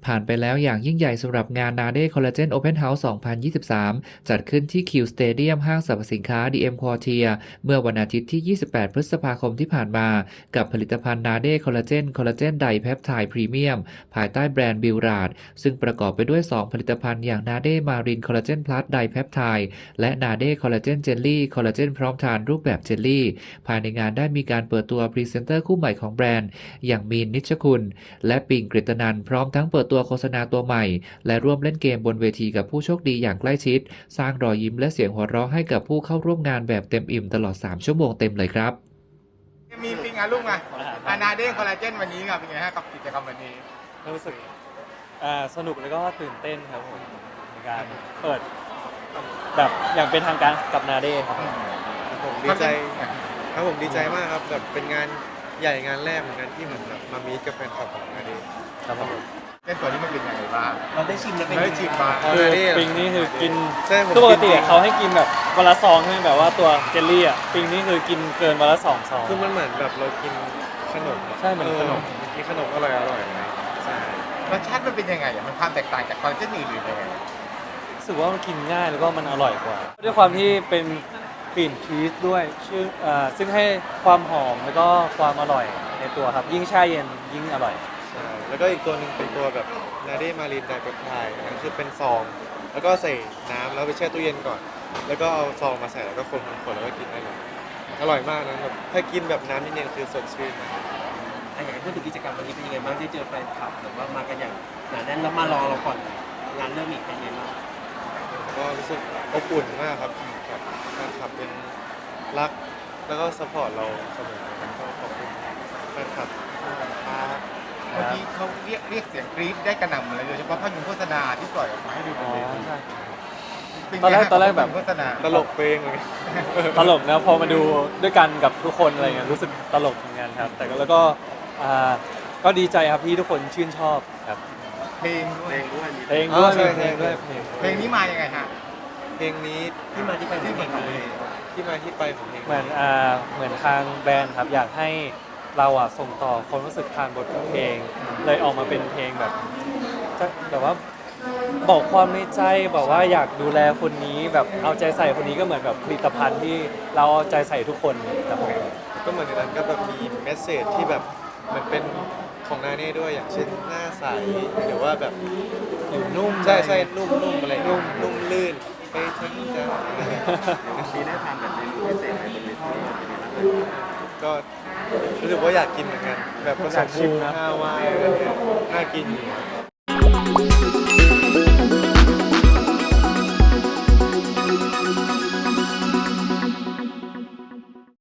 ผ่านไปแล้วอย่างยิ่งใหญ่สำหรับงาน NADE Collagen Open House 2023 จัดขึ้นที่ Q Stadium ห้างสรรพสินค้า DM Quartier เมื่อวันอาทิตย์ที่ 28 พฤษภาคมที่ผ่านมา กับผลิตภัณฑ์ NADE Collagen Collagen Dipeptide Premium ภายใต้แบรนด์ Biorad ซึ่งประกอบไปด้วย 2 ผลิตภัณฑ์อย่าง NADE Marine Collagen Plus Dipeptide และ NADE Collagen Jelly คอลลาเจนพร้อมทานรูปแบบเจลลี่ภายในงานได้มีการเปิดตัวพรีเซนเตอร์คู่ใหม่ของแบรนด์อย่างมีนนิชคุณและปิงกฤตนันท์พร้อมทั้งเปิดตัวโฆษณาตัวใหม่และร่วมเล่นเกมบนเวทีกับผู้โชคดีอย่างใกล้ชิดสร้างรอยยิ้มและเสียงหัวเราะให้กับผู้เข้าร่วมงานแบบเต็มอิ่มตลอด3 ชั่วโมงเต็มเลยครับมีปิงอ่ะลูกมาอานาเด้คอลลาเจนวันนี้ครับเป็นไงฮะกับกิจกรรมวันนี้รู้สึกสนุกแล้วก็ตื่นเต้นครับผมในการเปิดแบบอย่างเป็นทางการกับนาเด้ครับผมดีใจครับผมดีใจมากครับแบบเป็นงานใหญ่งานแรกเหมือนกันที่เหมือนแบบมามีกับแฟนคลับของนาเด้ครับผมเล่นตัวนี้มันเป็นยังไงบ้างเราได้ชิมแล้วเป็นได้ชิมบ้างคือปิงนี่คือกินปกติเขาให้กินแบบวันละซองใช่ไหมแบบว่าตัวเจลลี่อ่ะปิงนี่คือกินเกินวันละ2 ซองคือมันเหมือนแบบเรากินขนมใช่เหมือนขนมกินขนมอร่อยใช่รสชาติมันเป็นยังไงอ่ะมันความแตกต่างจากคอลลาเจนอื่นหรือยังไงรู้สึกว่ามันกินง่ายแล้วก็มันอร่อยกว่าด้วยความที่เป็นกลิ่นชีสด้วยซึ่งให้ความหอมแล้วก็ความอร่อยในตัวครับยิ่งแช่เย็นยิ่งอร่อยใช่แล้วก็อีกตัวหนึ่งเป็นตัวแบบนาเด้มารีนไดเปปไทด์นั่นคือเป็นซองแล้วก็ใส่น้ำแล้วไปแช่ตู้เย็นก่อนแล้วก็เอาซองมาใส่แล้วก็คนแล้วก็กินได้เลยอร่อยมากนะแบบถ้ากินแบบน้ำเย็นๆคือสดชื่นมากอยากให้พูดถึงกิจกรรมวันนี้เป็นยังไงบ้างได้เจอแฟนคลับหรือว่ามากันอย่างหนาแน่นแล้วมารอเราก่อนงานเริ่มอีกเป็นยังไงบ้างก็รู้สึกอบอุ่นมากครับแบบแฟนคลับเป็นรักแล้วก็ซัพพอร์ตเราเสมอก็ขอบคุณแฟนคลับครับเมื่อกี้เขาเรียกเสียงกรี๊ดได้กระหน่ำเลยโดยเฉพาะภาพยนตร์โฆษณาที่ปล่อยออกมาให้ดูบนเวทีตอนแรกแบบโฆษณาตลกเพลงเลยตลกนะพอมาดูด้วยกันกับทุกคนอะไรเงี้ยรู้สึกตลกเหมือนกันครับแต่แล้วก็ดีใจครับที่ทุกคนชื่นชอบครับเพลงด้วยเพลงนี้มายังไงฮะเพลงนี้ที่มาที่ไปของเพลงนี้ที่มาที่ไปของเพลงเหมือนทางแบรนด์ครับอยากให้เราส่งต่อความรู้สึกทางบทเพลงเลยออกมาเป็นเพลงแบบว่าบอกความในใจบอกว่าอยากดูแลคนนี้แบบเอาใจใส่คนนี้ก็เหมือนแบบผลิตภัณฑ์ที่เราเอาใจใส่ทุกคนครับผมก็เหมือนในนั้นก็แบบมีเมสเสจที่แบบเหมือนเป็นของนาเน่ด้วยอย่างเช่นหน้าใสหรือว่าแบบอยู่นุ่มใช่นุ่มอะไรนุ่มลื่นไปทั้งจะมีได้ทานแบบเมนูพิเศษอะไรบนเวทีก็รู้สึกว่าอยากกินเหมือนกันแบบผสมชิมนะฮาวายน่ากินอยู่